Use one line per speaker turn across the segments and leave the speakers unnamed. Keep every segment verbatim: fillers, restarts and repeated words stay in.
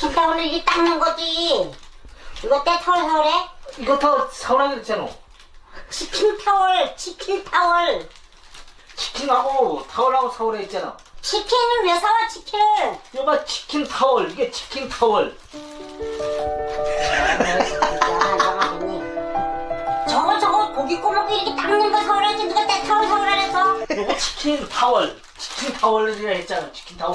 치킨 타월을 이렇게 닦는 거지. 이거 때 타월 사오래?
이거 다 사오라고 그랬잖아.
치킨 타월, 치킨 타월.
치킨하고 타월하고 사오라 했잖아.
치킨을 왜 사와, 치킨을?
여봐, 치킨 타월. 이게 치킨 타월.
저거 저거 고기 꼬먹고 이렇게 닦는 거 사오라지. 누가 때 타월 사오라 그래서?
이거 치킨 타월. 치킨 타월이라 했잖아. 치킨 타월.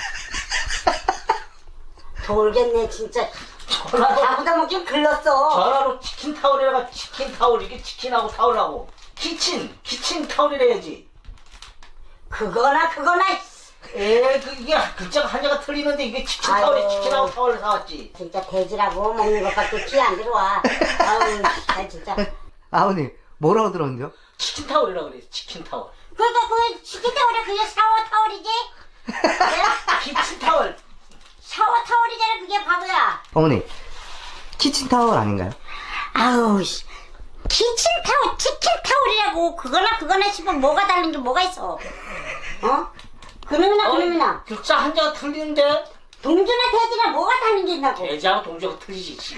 돌겠네 진짜.
전화로,
나보다 뭐좀 글렀어.
전화로 치킨 타월이라가 치킨 타월. 이게 치킨하고 타월하고. 키친, 키친 타월이라 해야지.
그거나 그거나.
에, 그, 이게 글자가 한자가 틀리는데 이게 치킨
아유.
타월에 치킨하고 타월을 사왔지.
진짜 돼지라고 먹는 것밖에 귀 안 들어와. 아유, 나 진짜.
아버님 뭐라고 들었는데요?
치킨 타월이라 그래. 치킨 타월.
그러니까 그 치킨 타월이 그게 샤워 타월이지? 내가
키친 타월.
샤워 타월이잖아 그게 바보야.
어머니 키친타월 아닌가요?
아우 씨. 키친 타월, 치킨 타월이라고. 그거나 그거나 싶으면 뭐가 다른 게 뭐가 있어? 어? 그놈이나 그놈이나.
글자 한자가 틀리는데?
동주나 돼지나 뭐가 다른 게 있나고.
돼지하고 동주가 틀리지. 씨.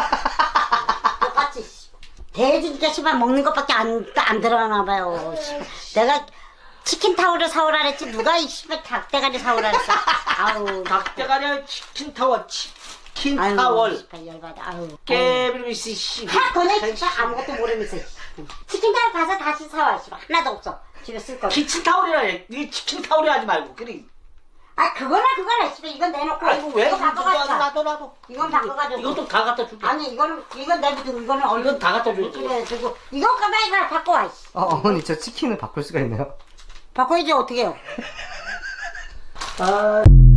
똑같이. 씨. 돼지니까 씨발 먹는 것밖에 안, 안 들어가나 봐요. 씨. 내가 치킨 타월을 사오라 그랬지 누가 이 씨발 닭대가리 사오라 그랬어. 아우.
닭대가리 아니라 치킨 타월. 치킨
아유,
타월.
씨발 열받아. 아유.
깨비리시 씨.
하, 너네 진짜 아무것도 모르면서. 치킨 타월 가서 다시 사와. 씨발 하나도 없어. 집에 쓸 거.
키친 타월이라 해. 이 치킨 타월이 하지 말고. 그래.
아 그거나 그거나 씨발 이건 내놓고.
아이고 왜?
이거
나도
바꿔가지고.
나도 나도.
이건 바꿔가지고.
이것도 다 갖다 줄게.
아니 이거는 이건 내비두고 이거는 얼른
이건 다 갖다 줄게.
그래 두고 이거 가만히 가 바꿔 와. 씨.
어, 어머니 저 치킨을 바꿀 수가 있나요?
바꿔야지 어떻게 해요?
아.